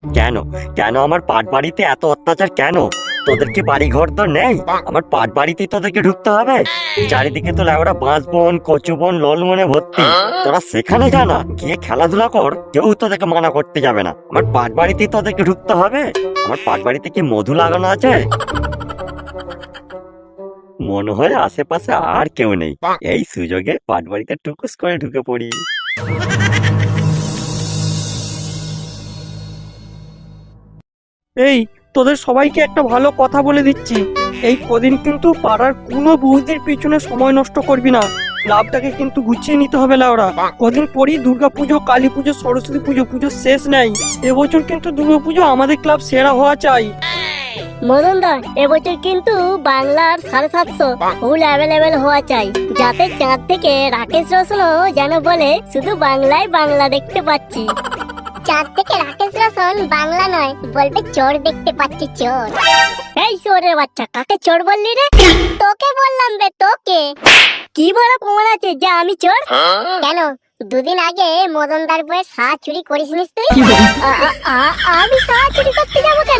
কেন কেন আমার পাট বাড়িতে এত অত্যাচার কেন? তোদের কি বাড়ি ঘর তো নেই? আমার পাট বাড়িতে তোদেরকে ঢুকতে হবে? চারিদিকে তো লেবরা বাঁশ বন, কচু বন, ললমনে ভর্তি। তোরা সেখানে যা না, গিয়ে খেলাধুলা কর, কেউ তোদেরকে মানা করতে যাবে না। আমার পাট বাড়িতে তোদেরকে ঢুকতে হবে? আমার পাট বাড়িতে কি মধু লাগানো আছে? মনে হয় আশেপাশে আর কেউ নেই, এই সুযোগে পাট বাড়িতে টুকুস করে ঢুকে পড়ি। এই, তোদের সবাইকে একটা ভালো কথা বলে দিচ্ছি, এই কদিন কিন্তু পাড়ার কোনো বৌদির পিছনে সময় নষ্ট করবি না। ক্লাবটাকে কিন্তু গুছিয়ে নিতে হবে লাউরা। কদিন পরই দুর্গাপুজো, কালী পুজো, সরস্বতী পুজো, পুজো শেষ নেই। এবছর কিন্তু দুর্গাপুজো আমাদের ক্লাব সেরা হওয়া চাই। মদনদা, এবছর কিন্তু বাংলার 750 ফুল অ্যাভেলেবেল হওয়া চাই, যাতে চাঁদ থেকে রাকেশ রোশনও যেন বলে শুধু বাংলায় বাংলা দেখতে পাচ্ছি। চাঁদ থেকে রাকেশ রোশন বাংলা নয়, বলবে চোর দেখতে পাচ্ছি, চোর। এই চোরের বাচ্চা, কাকে চোর বললি রে? তোকে বললাম বে, তোকে। কি বড় প্রমাণ আছে যে আমি চোর? কেন, দুদিন আগে মদনদার বইয়ের শাহ চুরি করিসনিস তুই? আমি শাহ চুরি করতে যাবো কেন?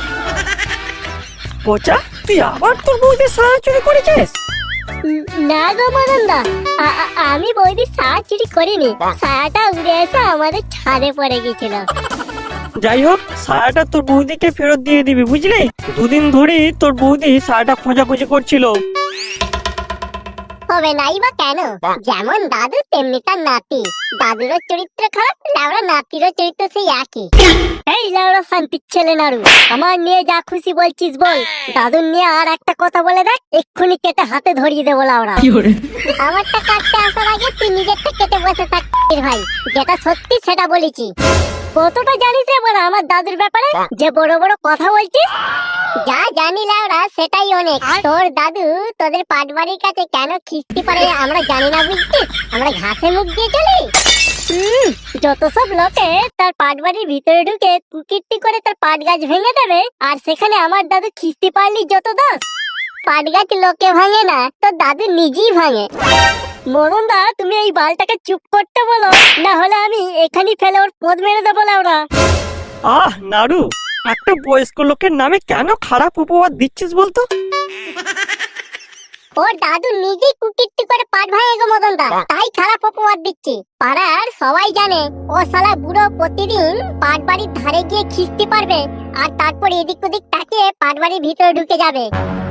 পচা, তুই আবার তোর বৌদির সারা চুরি করেছিস? না গো মদনদা, আমি বৌদির শাহ চুরি করিনি। শাহটা উড়ে এসে আমাদের ছাদে পড়ে গেছিল। যাই হোক, সারাটা তোর বৌদিকে ফেরত দিয়ে দিবি, বুঝলি? দুদিন ধরে তোর বৌদি সারাটা খোঁজাখুঁজি করছিল। হবে নাই বা কেন? যেমন দাদু তেমনি তার নাতি। দাদুরও চরিত্র খারাপ, লাউড়া নাতিরও চরিত্র সেই একই। এই লাউড়া শান্তির ছেলে নাড়ু, আমার নিয়ে যা খুশি বলছিস বল, দাদুর নিয়ে আর একটা কথা বলে দেখ, এক্ষুনি কেটে হাতে ধরিয়ে দেবো লাউড়া। আমারটা কাটতে আসার আগে তুই নিজেরটা কেটে বসে থাক ভাই, যেটা সত্যি সেটা বলেছি। কতটা জানিস রে বড় আমার দাদুর ব্যাপারে, যে বড় বড় কথা বলছিস? যা জানি লাউড়া সেটাই অনেক। তোর দাদু তোদের পাটবাড়ির কাছে কেন খিস্তি পারে আমরা জানি না, বুঝছিস? আমরা ঘাসে মুখ দিয়ে চলি। যত সব লোকে তার পাটবাড়ির ভিতরে ঢুকে কুকীর্তি করে তার পাট গাছ ভেঙে দেবে, আর সেখানে আমার দাদু খিস্তি পারলি যত দোষ। পাট গাছ লোকে ভাঙে না, তোর দাদু নিজেই ভাঙে। মরণদা, তুমি এই বালটাকে চুপ করতে বলো, না হলে আমি এখানেই ফেলে ওর পদ মেরে দেবো লাউড়া। আহ নাড়ু, একটা বয়স্ক লোকের নামে কেন খারাপ উপহার দিচ্ছিস বলতো? ওর দাদু নিজেই কুকীর্তি করে পাট ভাঙে গো মদনদা, তাই খারাপ অপবাদ দিচ্ছি। পাড়ার সবাই জানে ও শালা বুড়ো প্রতিদিন পাট বাড়ির ধারে গিয়ে খিস্তি পারবে, আর তারপর এদিক ওদিক তাকিয়ে পাট বাড়ির ভিতরে ঢুকে যাবে।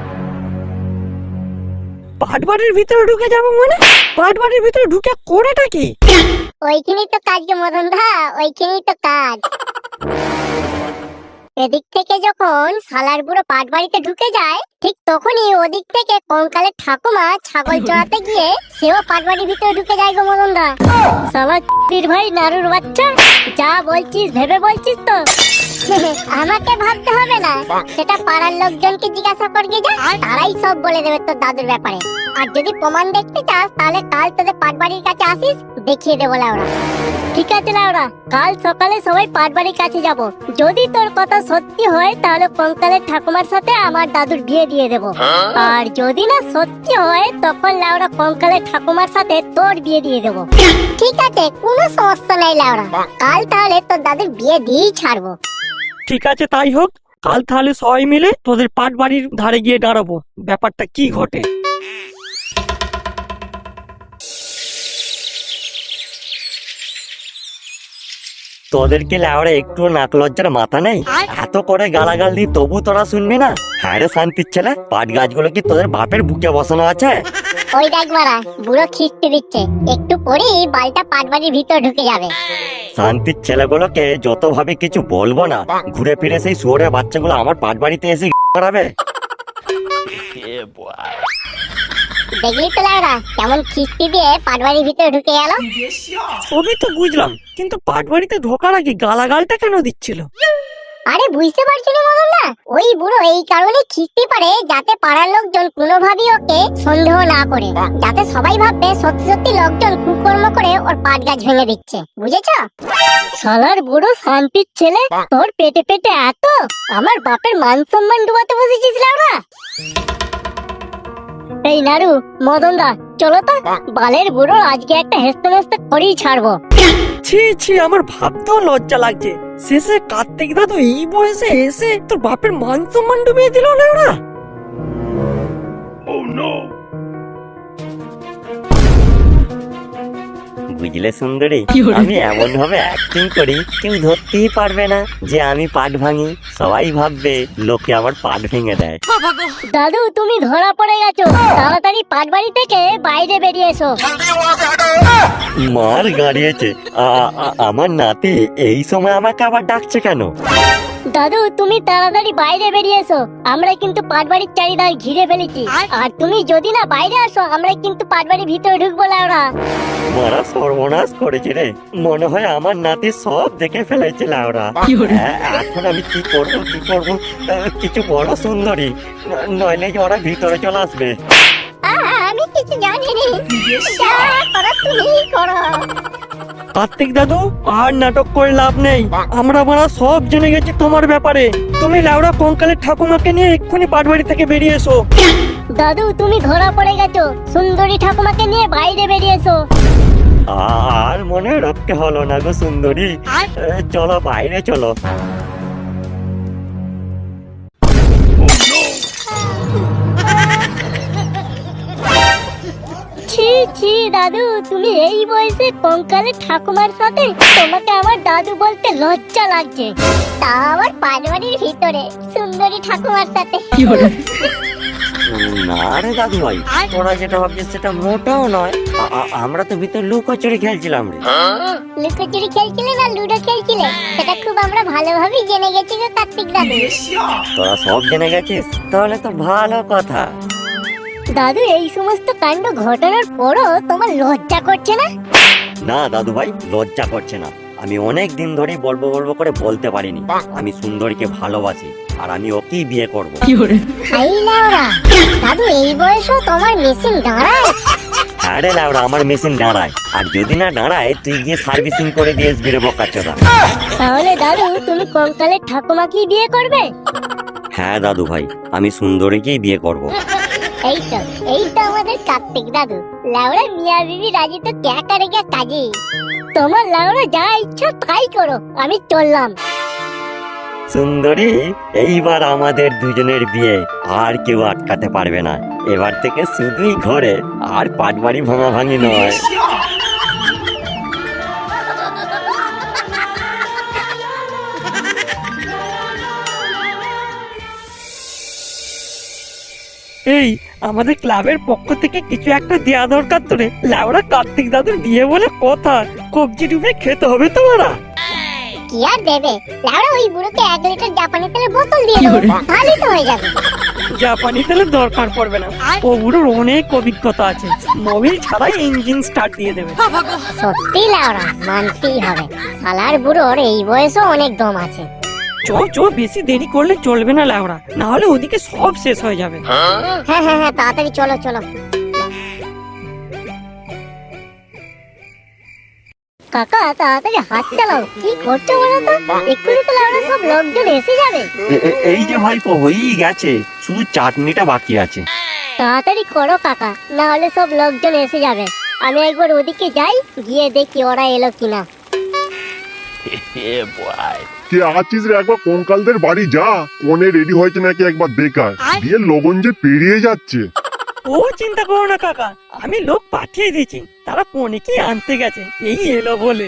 পাট বাড়ির ভিতরে ঢুকে যাবো মানে? পাট বাড়ির ভিতরে ঢুকে করেটা কি? ওইখানেই তো কাজ গো মদনদা, ওইখানেই তো কাজ। এদিক থেকে যখন শালার বুড়ো পাট বাড়িতে ঢুকে যায়, ঠিক তখনই ওদিক থেকে কঙ্কালের ঠাকুমা ছাগল চড়াতে গিয়ে সেও পাট বাড়ির ভিতরে ঢুকে যায় গো মদনদা। শালা চির ভাই নারুর বাচ্চা, যা বলছিস ভেবে বলছিস তো? আমাকে ভাবতে হবে না, সেটা পাড়ার লোকজনকে জিজ্ঞাসা করবি, যা তারাই সব বলে দেবে তোর দাদুর ব্যাপারে। আর যদি প্রমাণ দেখতে চাস তাহলে কাল তোদের পাট বাড়ির কাছে আসিস, দেখিয়ে দেবো লাউড়া। ঠিক আছে লাউড়া, কাল সকালে সবাই পাট বাড়ির কাছে যাব। যদি তোর কথা সত্যি হয় তাহলে কঙ্কালের ঠাকুমার সাথে আমার দাদুর বিয়ে দিয়ে দেব, আর যদি না সত্যি হয় তখন লাউড়া কঙ্কালের ঠাকুমার সাথে তোর বিয়ে দিয়ে দেব। ঠিক আছে, কোনো সমস্যা নাই লাউড়া, কাল তাহলে তোর দাদুর বিয়ে দিয়েই ছাড়বো। ঠিক আছে, তাই হোক। কাল তাহলে সবাই মিলে তোদের পাট বাড়ির ধারে গিয়ে দাঁড়াবো, ব্যাপারটা কি ঘটে। তোদেরকে লেওড়া একটু নাক লজ্জার মাথা নেই? এত করে গালাগাল দিই তবু তোরা শুনবি না? হ্যাঁ রে শান্তির ছেলে, পাট গাছগুলো কি তোদের বাপের বুকে বসানো আছে? ওই দেখ বাড়া, বুড়ো খিস্তি দিচ্ছে, একটু পরেই বালটা পাট বাড়ির ভিতর ঢুকে যাবে। শান্তির ছেলেগুলোকে যত ভাবে কিছু বলবো না, ঘুরে ফিরে সেই শুয়োরের বাচ্চাগুলো আমার পাট বাড়িতে এসে করাবে। দেখলি তো লাউড়া কেমন খিস্তি দিয়ে পাট বাড়ির ভিতরে ঢুকে গেল? সবই তো বুঝলাম, কিন্তু পাট বাড়িতে ঢোকার আগে গালাগালটা কেন দিচ্ছিল? আরে বুঝতে পারছি না মদন না, ওই বুড়ো এই কারণে খিস্তি পারে যাতে পাড়ার লোকজন কোনোভাবেই ওকে সন্দেহ না করে, যাতে সবাই ভাববে সত্যি সত্যি লোকজন কুকর্ম করে ওর পাট গাছ ভেঙে দিচ্ছে, বুঝেছ? শালার বুড়ো শান্তির ছেলে, তোর পেটে পেটে এত, আমার বাপের মান সম্মান ডুবাতে বসেছিস লাউড়া। এই নাড়ু, মদন দা, চলো তো। বালের বুড়ো আজকে একটা হেসতে হেসতে করেই ছাড়বো। ছি ছি, আমার ভাবতেও লজ্জা লাগছে। শেষে কার্তিক দাদু এই বয়সে এসে তোর বাপের মান সম্মান ডুবিয়ে দিল না ওরা। বুঝলে সুন্দরী, আমি এমন ভাবে অ্যাক্টিং করি কেউ ধরতেই পারবে না যে আমি পাট ভাঙি। সবাই ভাববে লোকে আমার পাট ভেঙে দেয়। দাদু, তুমি ধরা পড়ে গেছো। তাড়াতাড়ি পাটবাড়ি থেকে বাইরে বেরিয়ে এসো। মার গাড়িয়েছে। আমার নাতি এই সময় আমাকে আবার ডাকছে কেন? দাদু, তুমি তাড়াতাড়ি বাইরে বেরিয়ে এসো। আমরা কিন্তু পাটবাড়ির চারিধার ঘিরে ফেলেছি। আর তুমি যদি না বাইরে আসো, আমরা কিন্তু পাটবাড়ির ভিতরে ঢুকবো লাউড়া। মারা সর্বনাশ করেছে রে, মনে হয় আমার নাতি সব দেখে ফেলেছে লাউরা। এখন আমি কি করবো কি করবো? কিছু বড় সুন্দরী, নইলে যে ওরা ভিতরে চলে আসবে। আমি কিছু জানি না, যা করার তুমি করো। কার্তিক দাদু, আর নাটক করে লাভ নেই। আমরা সব জেনে গেছি তোমার ব্যাপারে। তুমি লাউড়া কঙ্কালের ঠাকুমাকে নিয়ে এক্ষুনি পাটবাড়ি থেকে বেরিয়ে এসো। দাদু, তুমি ধরা পড়ে গেছো। সুন্দরী ঠাকুমাকে নিয়ে বাইরে বেরিয়ে এসো। আর মনে রাখতে হলো না গো সুন্দরী, চলো বাইরে চলো। ছি ছি দাদু, তুমি এই বয়সে কঙ্কালের ঠাকুমার সাথে? তোমাকে আমার দাদু বলতে লজ্জা লাগছে, তা আবার পাটবাড়ির ভিতরে সুন্দরী ঠাকুমার সাথে। না রে দাদু ভাই, তোরা যেটা ভাবছিস সেটা মোটাও নয়। আমরা তো ভিতরে লুকোচুরি খেলছিলাম রে। লুকোচুরি খেলছিলে না লুডো খেলছিলে, সেটা খুব আমরা ভালোভাবেই জেনে গেছি গো কার্তিক দাদু। তোরা সব জেনে গেছিস, তাহলে তো ভালো কথা। দাদু, এই সমস্ত কাণ্ড ঘটানোর পরও তোমার লজ্জা করছে না? না দাদু ভাই, লজ্জা করছে না। আমি অনেক দিন ধরেই বলবো বলবো করে বলতে পারিনি আমি সুন্দরীকে ভালোবাসি আর আমি ওকেই বিয়ে করব। এই লাউরা, দাদু এই বয়সেও তোমার মেশিন দাঁড়ায়? হ্যাঁ রে লাউরা, আমার মেশিন দাঁড়ায়। আর যদি না দাঁড়ায় তুই গিয়ে সার্ভিসিং করে দিয়ে আসবি রে বোকাচোদা। তাহলে দাদু, তুমি কঙ্কালের ঠাকুমাকেই বিয়ে করবে? হ্যাঁ দাদু ভাই, আমি সুন্দরীকেই বিয়ে করব। এই তো আমাদের কার্তিক দাদু। লাউড়া মিয়া বিবি রাজি তো ক্যা করেগা কাজী। তোমার লাউড়া যা ইচ্ছা তাই করো, আমি চললাম। সুন্দরী, এইবার আমাদের দুজনের বিয়ে আর কেউ আটকাতে পারবে না। এবার থেকে শুধুই ঘরে, আর পাটবাড়ি ভাঙা ভাঙি নয়। এই, আমাদের ক্লাবের পক্ষ থেকে কিছু একটা দেয়া দরকার তো রে। লাউড়া কার্তিক দাদুর বিয়ে বলে কথা, কবজি ডুবে খেতে হবে তোমারা। কি আর দেবে লাউড়া, ওই বুড়োকে 1 লিটার জাপানি তেলের বোতল দিয়ে দেবো, তাহলেই তো হয়ে যাবে। জাপানি তেলের দরকার পড়বে না, ও বুড়োর অনেক অভিজ্ঞতা আছে। মোবিল ছাড়াই ইঞ্জিন স্টার্ট দিয়ে দেবে। সত্যি লাউড়া, মানতেই হবে। শালার বুড়োর এই বয়সও অনেক দম আছে। বেশি দেরি করলে চলবে না লাউড়া, না হলে ওদিকে সব শেষ হয়ে যাবে। হ্যাঁ, তাড়াতাড়ি চলো চলো। কাকা, তাড়াতাড়ি হাত চালাও। কি করছো বলো তো? এক্ষুনি তো লাউড়া সব লোকজন এসে যাবে। এই যে ভাইপো হয়েই গেছে, শুধু চাটনিটা বাকি আছে। তাড়াতাড়ি করো কাকা, না হলে সব লোকজন এসে যাবে। আমি একবার ওদিকে যাই, গিয়ে দেখি ওরা এলো কিনা। কে আছিস রে? একবার কঙ্কালদের বাড়ি যা, কোনে রেডি হয়েছে নাকি একবার দেখা। বিয়ের লগন যে পেরিয়ে যাচ্ছে। ও চিন্তা করো না কাকা, আমি লোক পাঠিয়ে দিয়েছি, তারা কনেকে আনতে গেছে, এই এলো বলে।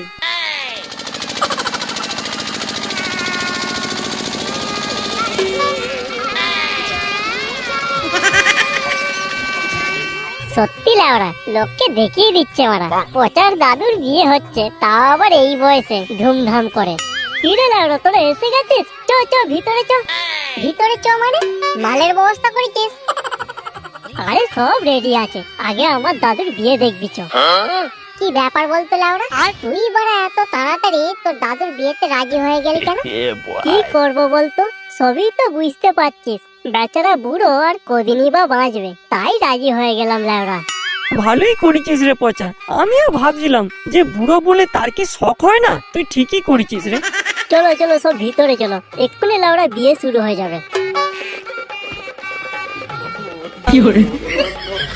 সত্যি লাউড়া, লোককে দেখিয়ে দিচ্ছে ওরা। পচার দাদুর বিয়ে হচ্ছে, তাও আবার এই বয়সে ধুমধাম করে। কিরে লাউড়া, তোরা এসে গেছিস? চ ভিতরে চ। ভিতরে চ মানে? মালের ব্যবস্থা করেছিস? আরে সব রেডি আছে, আগে আমার দাদুর বিয়ে দেখবি চ। কি ব্যাপার বলতো লাউড়া, তুই বড় এত তাড়াতাড়ি তোর দাদুর বিয়েতে রাজি হয়ে গেলি কেন? কি করব বলতো, সবই তো বুঝতে পারছিস। বেচারা বুড়ো আর কদিনই বা বাঁচবে, তাই রাজি হয়ে গেলাম লাউড়া। ভালোই করেছিস রে পচা, আমিও ভাবছিলাম যে বুড়ো বলে তার কি শখ হয় না। তুই ঠিকই করেছিস রে। চলো সব ভিতরে চলো, এক্ষুনি লাউড়া বিয়ে শুরু হয়ে যাবে।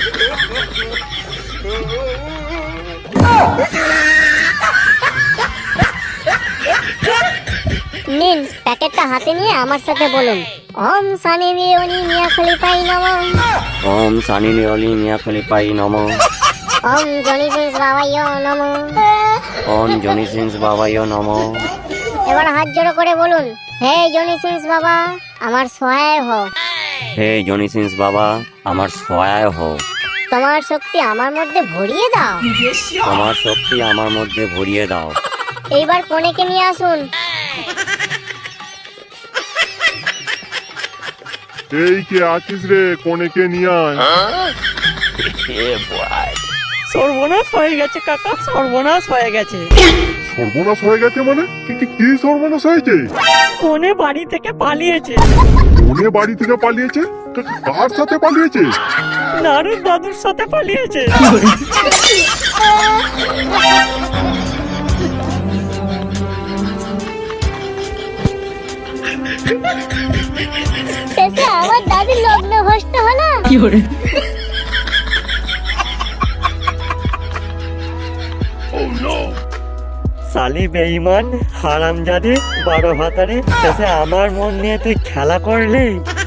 নিন প্যাকেটটা হাতে নিয়ে আমার সাথে বলুন, ওম সানি লিওনি মিয়া খলিফাই নমঃ, ওম সানি লিওনি মিয়া খলিফাই নমঃ, ওম জনি সিংস বাবাইও নমঃ। ওম জনি সিংস বাবাইও নমঃ। এবার হাত জোড়ো করে বলুন, হে জনি সিংস বাবা আমার সহায় হও, হে জনি সিংস বাবা আমার সহায় হও, তোমার শক্তি আমার মধ্যে ভরিয়ে দাও। তোমার শক্তি আমার মধ্যে ভরিয়ে দাও। এইবার কনেকে নিয়ে আসুন। এই কে আছিস রে, কোনেকে নিয়ে আয়। সর্বনাশ হয়ে গেছে কাকা, সর্বনাশ হয়ে গেছে। সর্বনাশ হয়ে গেছে মানে কি সর্বনাশ হয়েছে? কোনে বাড়ি থেকে পালিয়েছে। কোনে বাড়ি থেকে পালিয়েছে? কার সাথে পালিয়েছে? নারুর দাদুর সাথে পালিয়েছে। শেষে আমার দাদির লগ্ন ভ্রষ্ট হলো। সালি বেঈমান হারামজাদে 12 ভাতারে শেষে আমার মন নিয়ে তুই খেলা করলি।